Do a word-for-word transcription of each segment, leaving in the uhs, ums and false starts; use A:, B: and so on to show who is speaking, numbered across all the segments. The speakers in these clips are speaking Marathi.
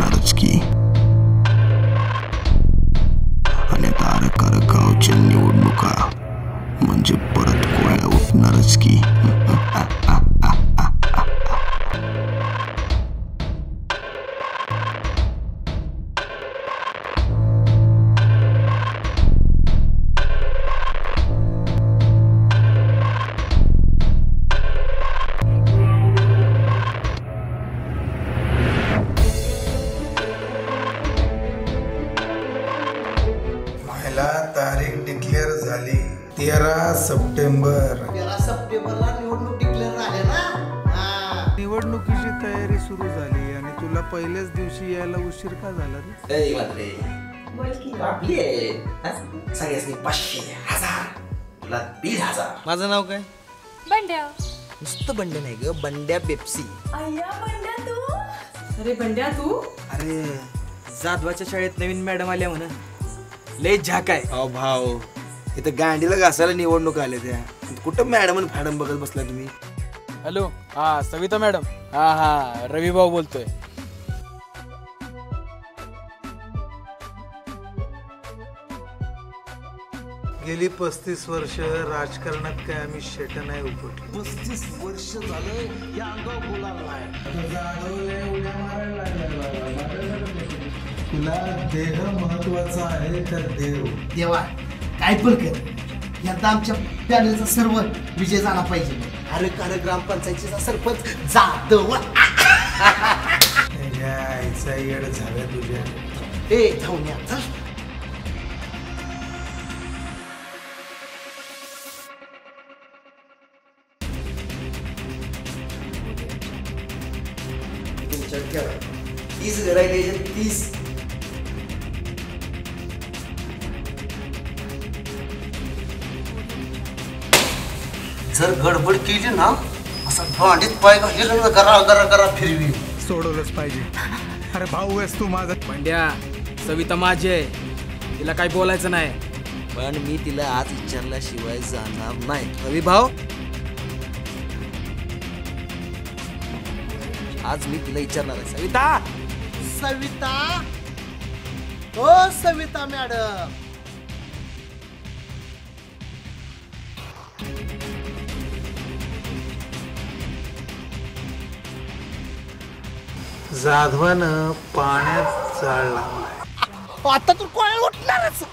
A: उठणारच की. आणि आता अरकार गावच्या निवडणुका म्हणजे परत कोळ्या उठणारच की.
B: तारीख डिक्लेअर झाली तेरा सप्टेंबर.
C: तेरा सप्टेंबरला निवडणूक डिक्लेअर झाली ना.
B: निवडणुकीची तयारी सुरू झाली आणि तुला पहिल्याच दिवशी यायला उशीर का झाला रे?
C: आपली आहे सगळ्यांनी पाचशे हजार तुला दीड हजार.
D: माझं नाव काय?
E: बंड्या.
D: नुसतं बंड्या नाही ग, बंड्या पेप्सी.
E: अय्या बंड्या तू. अरे बंड्या तू.
D: अरे जाधवाच्या शाळेत नवीन मॅडम आल्या म्हणा, लय झाक आहे. अहो भाऊ, इथं गांडीला घासायला निवडणूक आल्या त्या, कुठं मॅडम फॅडम बघत बसला तुम्ही?
F: हॅलो, हा सविता मॅडम. हा हा रवी भाऊ बोलतोय.
B: गेली पस्तीस वर्ष राजकारणात काय आम्ही शेट नाही उपटलो.
C: पस्तीस वर्ष झालं या अंगावर बोलायला
B: तुला देह महत्वाचा आहे तर देव.
C: देवा काय पण कर, यंदा आमच्या पॅनलचा सर्व विजय झाला पाहिजे. अरे अरे ग्रामपंचायतीचा सरपंच जाधव.
B: आईचा येड झाल्या तुझ्या.
C: ए जाऊन या चल.
D: तीस घर आहे, तीस.
C: जर गडबड केली ना असा भांडीत पाय घातली ना गरा गरा गरा फिरवी.
B: सोडवलंच पाहिजे. अरे भाऊ आहेस तू माझा.
F: बंड्या, सविता माझी आहे, तिला काही बोलायचं नाही.
D: पण मी तिला आज विचारल्याशिवाय जाणार नाही. रवी भाऊ, आज मी तिला विचारणार आहे. सविता
C: सविता ओ सविता मॅडम.
B: जाधवानं पाण्यात जाळ लावलाय.
C: आता तू कोण उठणारच.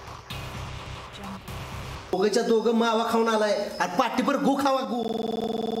C: दोघच्या दोघं मावा खाऊन आलाय आणि पाठीभर गु खावा गु.